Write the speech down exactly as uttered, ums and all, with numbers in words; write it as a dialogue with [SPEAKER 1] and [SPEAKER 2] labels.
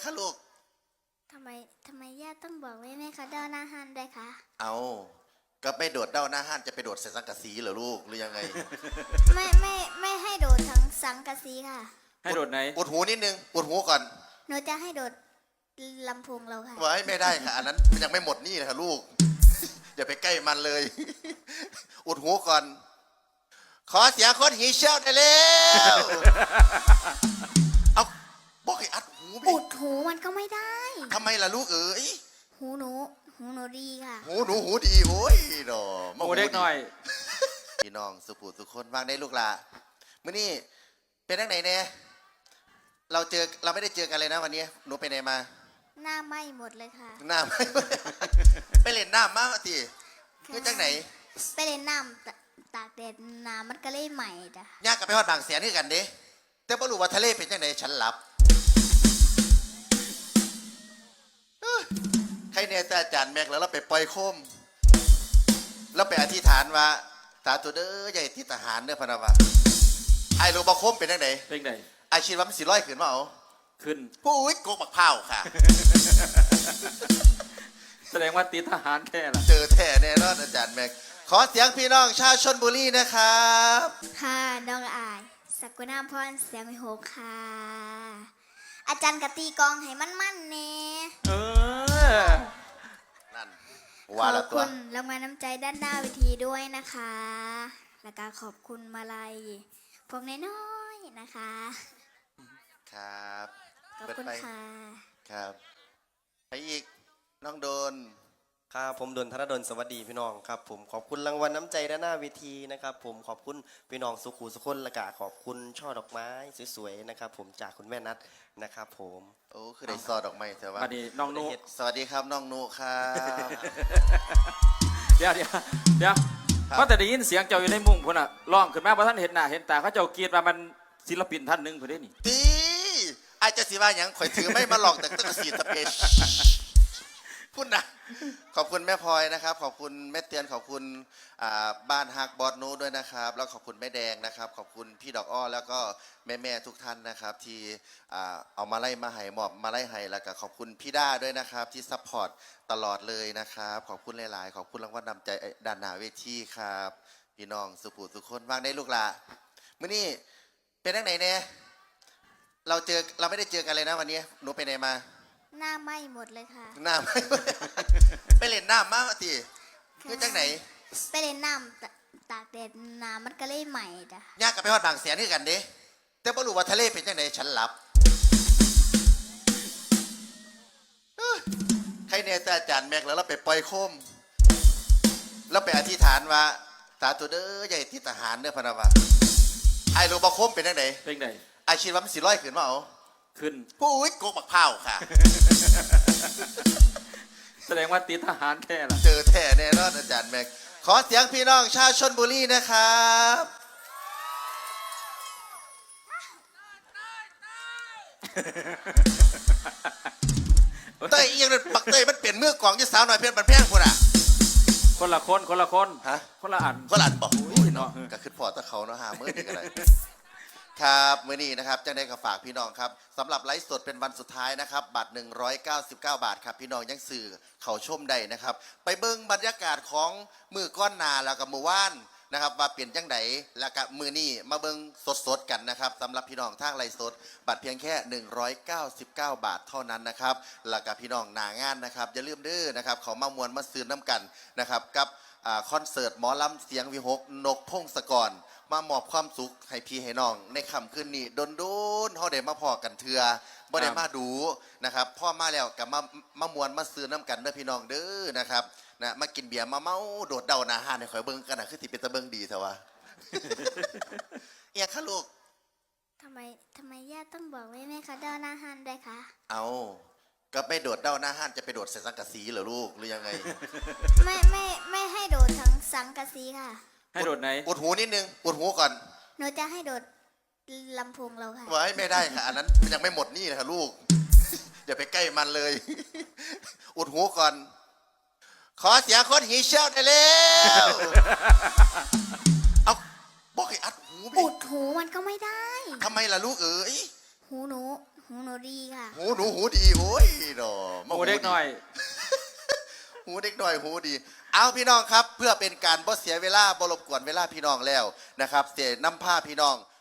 [SPEAKER 1] คะลูก
[SPEAKER 2] ทำไมทำไมย่าต้องบอกไว้ไหมคะเด้าหน้าหันด้วยคะ
[SPEAKER 1] เอาก็ไม่โดดเด้าหน้าห้านจะไปโดดใส่สังกะสีเหรอลูกหรือยังไง
[SPEAKER 2] ไม่ไม่ไม่ให้โดดทั้งสังกะสีค่ะ
[SPEAKER 3] ให้โดดไหน
[SPEAKER 1] อุดหูนิดนึงอุดหูก่อน
[SPEAKER 2] หนูจะให้โดดลำโพงเราค่ะ
[SPEAKER 1] ไว้ไม่ได้ค่ะอันนั้นมันยังไม่หมดนี่เลยค่ะลูกอย่าไปใกล้มันเลยอุดหูก่อนขอเสียงคนหีเชี่ยวได้แล้วเอาบอกให้อัดหู
[SPEAKER 2] อุดหูมันก็ไม่ได้
[SPEAKER 1] ทำไมล่ะลูกเอ๋ย
[SPEAKER 2] หูหนูหูหนูดีค่ะ
[SPEAKER 1] หูหนูหูดีโอ้ยดอ
[SPEAKER 3] มาหูเด็กหน่อย
[SPEAKER 1] พี่น้องสุภูสุคนวางได้ลูกละมื้อนี้เป็นทั้งไหนเนี่ยเราเจอเราไม่ได้เจอกันเลยนะวันนี้หนูไปไหนมา
[SPEAKER 2] หน้าไหม้หมดเลยค่ะ
[SPEAKER 1] หน้าไหม้ไปเล่นน้ำมาสิคือจังไหน
[SPEAKER 2] ไปเล่นน้ำตากแดดน้ำมันก็เลยใหม่จ้ะ
[SPEAKER 1] ยากกับไปฮอดบางแสนคือกันเด้แต่บ่รู้ว่าทะเลเป็นจังไหนฉันหลับใครเนี่ยแต่อาจารย์แม็กแล้วเราไปปล่อยโคมแล้วไปอธิษฐานว่าสาธุเด้อใหญ่ที่ทหารเด้อพะนะวะไอ้รู้บ่โคมเป็นจังไหน
[SPEAKER 3] เป็นไง
[SPEAKER 1] ไอ้คิดว่ามันสิร้อยขึ้นมาเอา
[SPEAKER 3] ขึ้น
[SPEAKER 1] ปุ้ยโกกบักเผาค่ะ
[SPEAKER 3] แสดงว่าติดทหารแค่ละ
[SPEAKER 1] เจอแท้แน่นอนอาจารย์แม็กขอเสียงพี่น้องชาวชลบุรีนะครับ
[SPEAKER 2] ค่ะน้องอายสักุณาพรเสียงวิหกค่ะอาจารย์กตีกองให้มั่นๆเน่
[SPEAKER 3] เออ
[SPEAKER 1] นั่น
[SPEAKER 2] ขอบคุณรางวัลน้ำใจด้านหน้าเวทีด้วยนะคะและการขอบคุณมาลัยพวกน้อยๆนะคะ
[SPEAKER 1] ครับ
[SPEAKER 2] ขอบคุณค่ะ
[SPEAKER 1] ครับไปอีกน้องโดน
[SPEAKER 4] ครับผมดนธนดลสวัสดีพี่น้องครับผมขอบคุณรางวัลน้ำใจด้านหน้าเวทีนะครับผมขอบคุณพี่น้องสุขุสุคนและกะขอบคุณช่อดอกไม้สวยๆนะครับผมจากคุณแม่นัทนะครับผม
[SPEAKER 1] โอ้คือได้ซอดอกไม้แต่ว่า
[SPEAKER 3] สวัสดีน้องนุ
[SPEAKER 1] สวัสดีครับน้องนุครับ
[SPEAKER 3] เดี๋ยวเดี๋ยวเดี๋ยวเพราะแต่ได้ยินเสียงเจ้าอยู่ในมุ้งพุ่นอ่ะร้องขึ้นมาเพราะท่านเห็นหน้าเห็นตาเขาเจ้าเกียรติว่ามันศิลปินท่านหนึ่งพุ่นนี่
[SPEAKER 1] ตีไอ้เจ้าสิว่าอย่างข่อยถือไม่มาหลอกแต่ตะสีตะเปชพูดนะขอบคุณแม่พลอยนะครับขอบคุณแม่เตียนขอบคุณบ้านฮักบอสนูด้วยนะครับแล้วขอบคุณแม่แดงนะครับขอบคุณพี่ดอกอ้อแล้วก็แม่แม่ทุกท่านนะครับที่เอามาไล่มาให้หมอบมาไล่ให้แล้วก็ขอบคุณพี่ด้าด้วยนะครับที่ซัพพอร์ตตลอดเลยนะครับขอบคุณหลายๆขอบคุณรางวัลนำใจด้านหน้าเวทีครับพี่น้องสุภูสุคนวางได้ลูกละมื้อนี้เป็นทั้งไหนเนี่ยเราเจอเราไม่ได้เจอกันเลยนะวันนี้หนูไปไหนมา
[SPEAKER 2] หน้าไหม้หมดเลยค่ะ
[SPEAKER 1] หน้าไหม้ไปเล่นน้ำมาสิคือจังไหน
[SPEAKER 2] ไปเล่นน้ำตากแดดน้ำมันก็เลยใหม่จ้ะ
[SPEAKER 1] ยากกับไปฮอดบางแสนคือกันเด้แต่บ่รู้ว่าทะเลเป็นจังไหนฉันหลับใครเนี่ยแต่อาจารย์แม็กแล้วเราไปปล่อยโคมแล้วไปอธิษฐานว่าสาธุเด้อใหญ่ที่ทหารเด้อพะนะวะไอ้รู้บ่โคมเป็นจังไหน
[SPEAKER 3] เป็นไง
[SPEAKER 1] ไอ้คิดว่ามันสิร้อยขึ้นมาเอา
[SPEAKER 3] ขึ้น
[SPEAKER 1] ปุ้ยโกกบักเผาค่ะ
[SPEAKER 3] แสดงว่าติดทหารแค่ละ
[SPEAKER 1] เจอแท้แน่นอนอาจารย์แม็กขอเสียงพี่น้องชาวชลบุรีนะครับเต้ยยังปักเต้ยมันเปลี่ยนมือกล่องยี่สาวหน่อยเพี้ยนบันแพงคนอ่ะ
[SPEAKER 3] คนละคนคนละคน
[SPEAKER 1] ฮะ
[SPEAKER 3] คนละอัน
[SPEAKER 1] คนละอันบอกเนาะก็คือพอตะเขาเนาะหาเมื่อดีกันเลยครับมื้อนี้นะครับจังได้กับฝากพี่น้องครับสำหรับไลฟ์สดเป็นวันสุดท้ายนะครับบัตรหนึ่งร้อยเก้าสิบเก้าบาทครับพี่น้องยังสื่อเขาชมได้นะครับไปเบิ้งบรรยากาศของมือก้อนนาแล้วกับมือว่านนะครับว่าเปลี่ยนจังไดแล้วกับมือนี้มาเบิ้งสดๆกันนะครับสำหรับพี่น้องทางไลฟ์สดบัตรเพียงแค่หนึ่งร้อยเก้าสิบเก้าบาทเท่านั้นนะครับแล้วกับพี่น้องหนางานนะครับอย่าลืมเด้อนะครับเขามามวนมาซื้อน้ำกันนะครับกับคอนเสิร์ตหมอลำเสียงวิหกนกพงศกรมามอบความสุขให้พี่ให้น้องในค่ำคืนนี้โดนโดนเขาได้มาพอกันเถื่อบ่ได้มาดูนะครับพ่อมาแล้วกับมามามวนมาซื้อน้ำกันเด้อพี่น้องเด้อนะครับนะมากินเบียร์มาเมาโดดเดาหนาหานให้ข่อยเบิ่งกันนะคือที่เป็นตะเบิ่งดีเถอะวะเอียค่ะลูก
[SPEAKER 2] ทำไมทำไมย่าต้องบอกไว้ไหมคะเด้าหน้าหันด้วยคะ
[SPEAKER 1] เอาก็ไม่โดดเด้าหน้าห้านจะไปโดดใส่สังกะสีเหรอลูกหรือยังไง
[SPEAKER 2] ไม่ไม่ไม่ให้โดดทั้งสังกะสีค่ะ
[SPEAKER 3] ให้โดดไหน
[SPEAKER 1] อุดหูนิดนึงอุดหูก่อน
[SPEAKER 2] หนูจะให้โดดลำโพงเราค่ะ
[SPEAKER 1] ไว้ไม่ได้ค่ะอันนั้นมันยังไม่หมดนี่เลยค่ะลูกอย่าไปใกล้มันเลยอุดหูก่อนขอเสียงคนหีเชี่ยวได้แล้วเอาบอกให้อัดหู
[SPEAKER 2] อุดหูมันก็ไม่ได้
[SPEAKER 1] ทำไมล่ะลูกเอ๋ย
[SPEAKER 2] หูหนูหหูหนูดีค่ะ
[SPEAKER 1] หูหนูหูดีโอ้ยดอ
[SPEAKER 3] หมูเด็กหน่อย
[SPEAKER 1] หูเด็กหน่อยหูดี เอาพี่น้องครับ เพื่อเป็นการบ่เสียเวลาบ่รบกวนเวลาพี่น้องแล้วนะครับเสียน้ำผ้าพี่น้อง